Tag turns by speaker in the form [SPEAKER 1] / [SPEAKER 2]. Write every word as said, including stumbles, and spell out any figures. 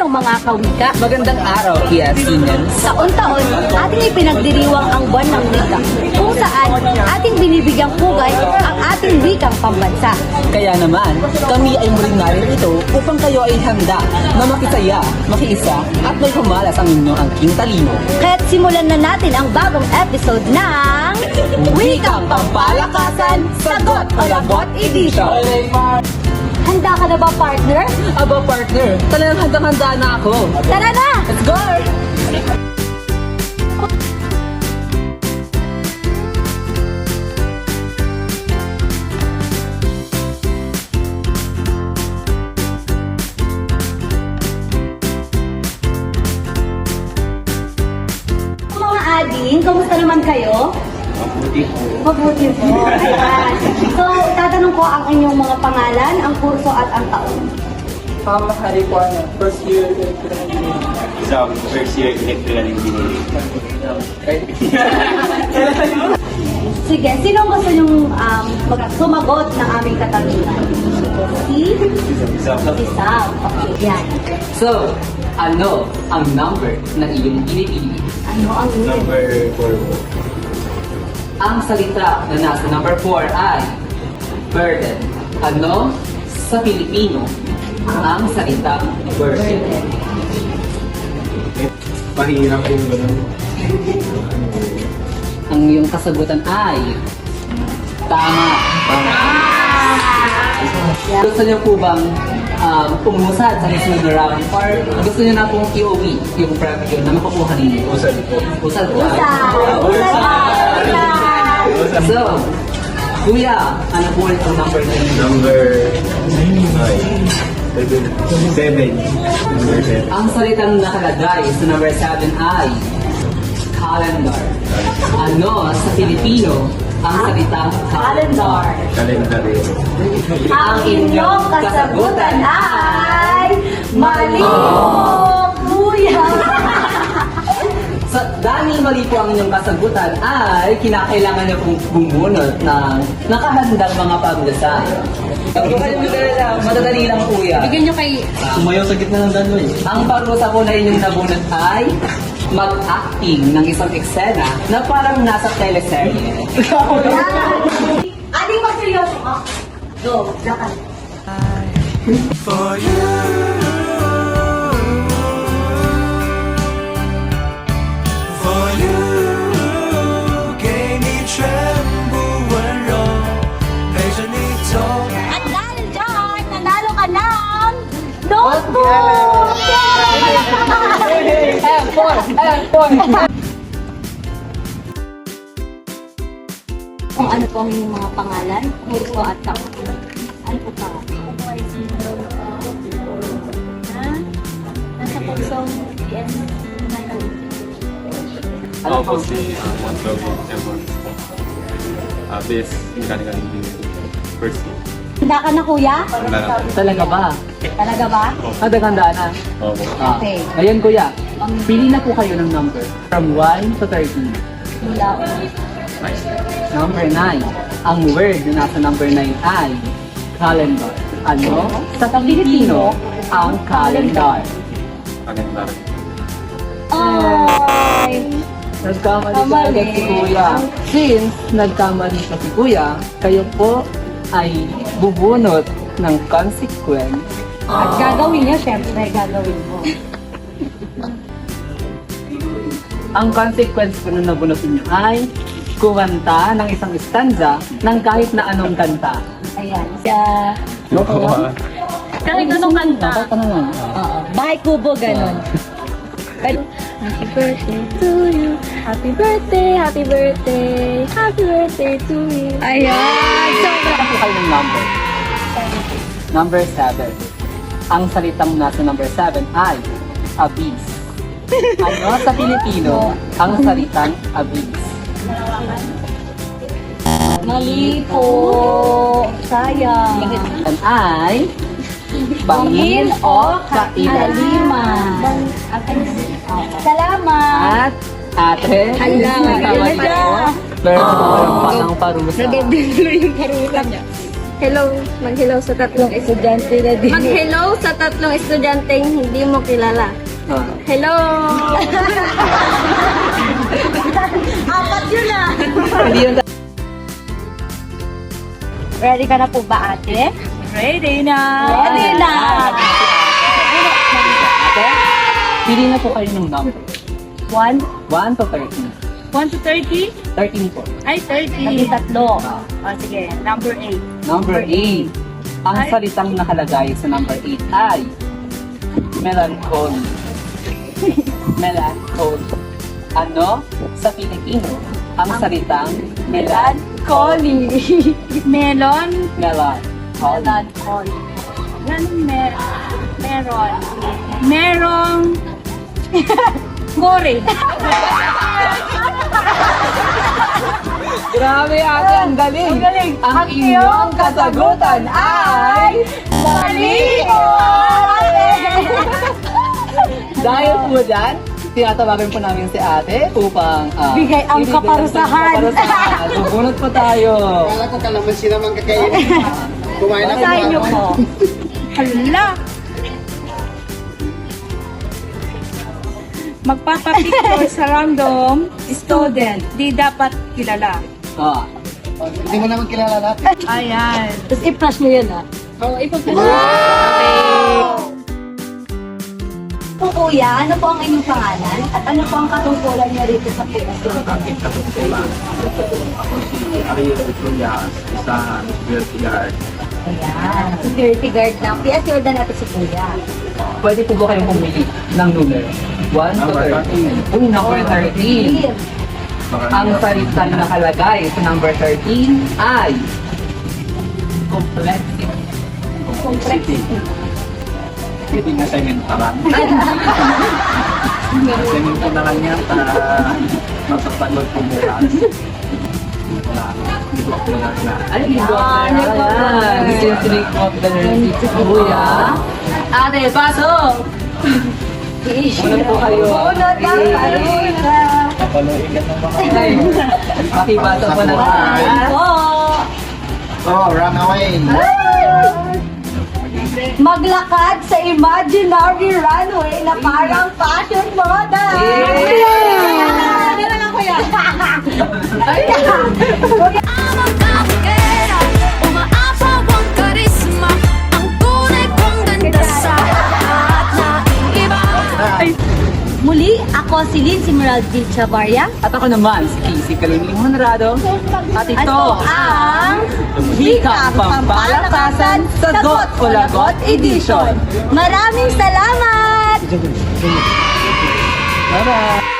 [SPEAKER 1] araw mga kawika.
[SPEAKER 2] Magandang araw, Kiasinyans.
[SPEAKER 1] Taon-taon, ating ipinagdiriwang ang buwan ng wika, kung saan ating binibigyang pugay ang ating wikang pambansa.
[SPEAKER 2] Kaya naman, kami ay muling narito upang kayo ay handa na makisaya, makiisa at may humalas ang inyong angking talino.
[SPEAKER 1] Kaya't simulan na natin ang bagong episode ng Wikang Pampalakasan, Sagot o Lagot Edition. Handa ka na ba, partner?
[SPEAKER 2] Aba partner, talagang handang-handa na ako.
[SPEAKER 1] Tara na!
[SPEAKER 2] Let's go!
[SPEAKER 1] Mga ading, kamusta naman kayo?
[SPEAKER 3] Mabuti po.
[SPEAKER 1] Mabuti po. Ayan. So, tatanong ko ang inyong mga pangalan, ang kurso at ang taon.
[SPEAKER 2] Pama Hari po, first year electrical engineering.
[SPEAKER 3] Isang first year electrical engineering.
[SPEAKER 1] Sige, sino ang gusto nyong um, mag- sumagot ng aming katanungan? Si?
[SPEAKER 3] Isang
[SPEAKER 1] Si Sam. Okay, yan.
[SPEAKER 2] So, ano ang number na iyong pinipili?
[SPEAKER 1] Ano ang
[SPEAKER 3] number four po.
[SPEAKER 2] Ang salita na nasa number four ay burden. Ano sa Pilipino ang salitang burden?
[SPEAKER 3] Mahirap yung ganun.
[SPEAKER 2] Ang iyong kasagutan ay tama. Gusto niyo po bang um, pumusad sa next na round or gusto niyo na pong i-uwi yung preview na makukuha ninyo?
[SPEAKER 3] Usad po.
[SPEAKER 2] Usad po.
[SPEAKER 1] Usa! Usa ba? Usa!
[SPEAKER 2] So, kuya, ano po ulit ang number na inyo?
[SPEAKER 3] Number nine. Seven. Number seven.
[SPEAKER 2] Ang salitang nakalagay sa number seven ay calendar. Ano sa Pilipino ang salitang
[SPEAKER 1] Calendar.
[SPEAKER 3] Calendario.
[SPEAKER 1] Ang inyong kasagutan ay mali po, kuya!
[SPEAKER 2] Sa dahil mali po ang inyong kasagutan ay kinakailangan niyo pong bumunot ng nakahandang mga pagdasal. Madadali lang kuya.
[SPEAKER 1] Bigyan nyo kay...
[SPEAKER 3] Sumayaw sa gitna ng daloy.
[SPEAKER 2] Ang parusa po na inyong nabunot ay mag-acting ng isang eksena na parang nasa teleserye.
[SPEAKER 1] Aling magseryoso ka. Go, lakad.
[SPEAKER 4] For you, for you，给你全部温柔，陪着你走。
[SPEAKER 1] At dahil dyan, nanalo ka ng notebook!
[SPEAKER 2] Ayan, four! Ayan, four!
[SPEAKER 1] Kung ano po ang inyong mga pangalan, kurso at taon. Ano po pa? Ha? Nasa kursong P M
[SPEAKER 2] Ano po?
[SPEAKER 5] Ako si uh, Montogo Emon. Uh, base mechanical engineering. First year.
[SPEAKER 1] Handa ka na, kuya?
[SPEAKER 5] Handa na.
[SPEAKER 2] Talaga ba?
[SPEAKER 1] Talaga ba?
[SPEAKER 2] Nadaganda na.
[SPEAKER 5] Opo.
[SPEAKER 2] Ah,
[SPEAKER 1] Okay.
[SPEAKER 2] Ngayon kuya, pili na po kayo ng number from one to thirteen.
[SPEAKER 1] Mula.
[SPEAKER 5] Nice.
[SPEAKER 2] Number nine. Ang word na nasa number nine ay calendar. Ano sa Pilipino ang calendar?
[SPEAKER 5] Calendar.
[SPEAKER 1] Ay!
[SPEAKER 2] Nagkamali
[SPEAKER 1] Kamali.
[SPEAKER 2] ka agad si kuya. Since nagkamali ka si kuya, kayo po ay bubunot ng consequence.
[SPEAKER 1] At gagawin niya, syempre, gagawin mo.
[SPEAKER 2] Ang consequence po na nabunutin niyo ay kumanta ng isang stanza ng kahit na anong kanta.
[SPEAKER 1] Ayan. Sa... Kahit anong kanta.
[SPEAKER 2] Kahit ano lang.
[SPEAKER 1] Oo. Bahay kubo, ganun. Pero, happy birthday to you. Happy birthday, happy birthday. Happy birthday to you. Ayan. Sobra.
[SPEAKER 2] Ano po kayo ng number? Number seven. Ang salitang nasa number seven ay abyss. Ano sa Pilipino ang salitang abyss?
[SPEAKER 1] Mali po. Sayang.
[SPEAKER 2] Yan ay bangin o kailaliman.
[SPEAKER 1] Salamat.
[SPEAKER 2] At ate,
[SPEAKER 1] Hala,
[SPEAKER 2] tama
[SPEAKER 1] hala.
[SPEAKER 2] po. Meron po kayong panang parusa.
[SPEAKER 1] Nadobilo yung parusa niya. Hello. Mag-hello sa tatlong estudyante na din. Mag-hello sa tatlong estudyanteng hindi mo kilala.
[SPEAKER 2] Ah.
[SPEAKER 1] Hello! Apat yun ah!
[SPEAKER 2] Hindi yun.
[SPEAKER 1] Ready ka na po ba, ate?
[SPEAKER 6] Ready na!
[SPEAKER 1] Ready na!
[SPEAKER 2] Ate, pili na po kayo ng number.
[SPEAKER 1] One,
[SPEAKER 2] one to thirteen.
[SPEAKER 6] one to thirty?
[SPEAKER 2] thirteen po.
[SPEAKER 6] Ay,
[SPEAKER 1] kami
[SPEAKER 6] thirty.
[SPEAKER 1] tatlo.
[SPEAKER 6] O, sige. Number eight.
[SPEAKER 2] Number eight. Ang
[SPEAKER 6] Ay.
[SPEAKER 2] salitang nakalagay sa number eight ay melancholy. Melancholy. Ano sa Pilipino ang salitang melancholy?
[SPEAKER 6] Melon.
[SPEAKER 2] Melancholy.
[SPEAKER 1] Melancholy.
[SPEAKER 6] Ganun mer meron. Merong gore.
[SPEAKER 2] Grabe ate, ang galing. Ang galing. Ang iyong kasagutan ay mali po ate. Dahil po dyan, tinatawagan po namin si ate upang ah,
[SPEAKER 1] Bigay ang
[SPEAKER 2] ibigay
[SPEAKER 1] kaparusahan.
[SPEAKER 2] ang kaparusahan. Bubunot po tayo.
[SPEAKER 3] Kala ko kalamansi naman kakainin. Kumain ako.
[SPEAKER 1] Sa inyo po.
[SPEAKER 6] Hala! Magpapapicture sa random student. Di dapat kilala.
[SPEAKER 2] Ah.
[SPEAKER 3] Hindi mo naman kilala natin.
[SPEAKER 6] Ayan.
[SPEAKER 1] Tapos i-flash mo yun ah.
[SPEAKER 6] Oo, ipag-flash.
[SPEAKER 1] Po kuya, ano po ang inyong pangalan? At ano po ang katungkulan niyo rito sa Pilipinas?
[SPEAKER 5] Aking katungkulan. Ako si Ariel Trulyas, isang security guard.
[SPEAKER 1] Ayan, security guard ng P S Jordan natin si kuya.
[SPEAKER 2] Pwede po ba kayong pumili ng numero? one to
[SPEAKER 5] Number
[SPEAKER 2] thirteen. Uy, number thirteen. Ang salitang nakalagay sa number thirteen ay complexity.
[SPEAKER 1] Complexity.
[SPEAKER 5] Hindi na sementaran. Sementaran niya para mapapanood ko bukas. Wala. Ito ako na na.
[SPEAKER 2] Ay, hindi
[SPEAKER 1] Ah,
[SPEAKER 2] ko
[SPEAKER 1] nagpapa-
[SPEAKER 2] alam. This is the name of the learning si Kuya. Ate, pasok! Unod po kayo.
[SPEAKER 1] Unod na, unod na.
[SPEAKER 3] Papaluin ka ng mga...
[SPEAKER 2] Ay, pakibasa po na
[SPEAKER 1] Ayan po.
[SPEAKER 3] Oh, run away.
[SPEAKER 1] Maglakad sa imaginary runway na parang fashion model.
[SPEAKER 2] Yeah!
[SPEAKER 1] Ano lang kuya?
[SPEAKER 7] Ang kakera, umaapaw ang karisma, ang tunay kong ganda sa lahat na iba.
[SPEAKER 1] Muli, ako si Lindsay Meraldi Chavarria.
[SPEAKER 2] At ako naman, si Casey Kalimling Honrado. At ito
[SPEAKER 1] ang
[SPEAKER 2] Hikang Pampalakasan Sagot o Lagot Edition.
[SPEAKER 1] Maraming salamat!
[SPEAKER 2] Bye-bye!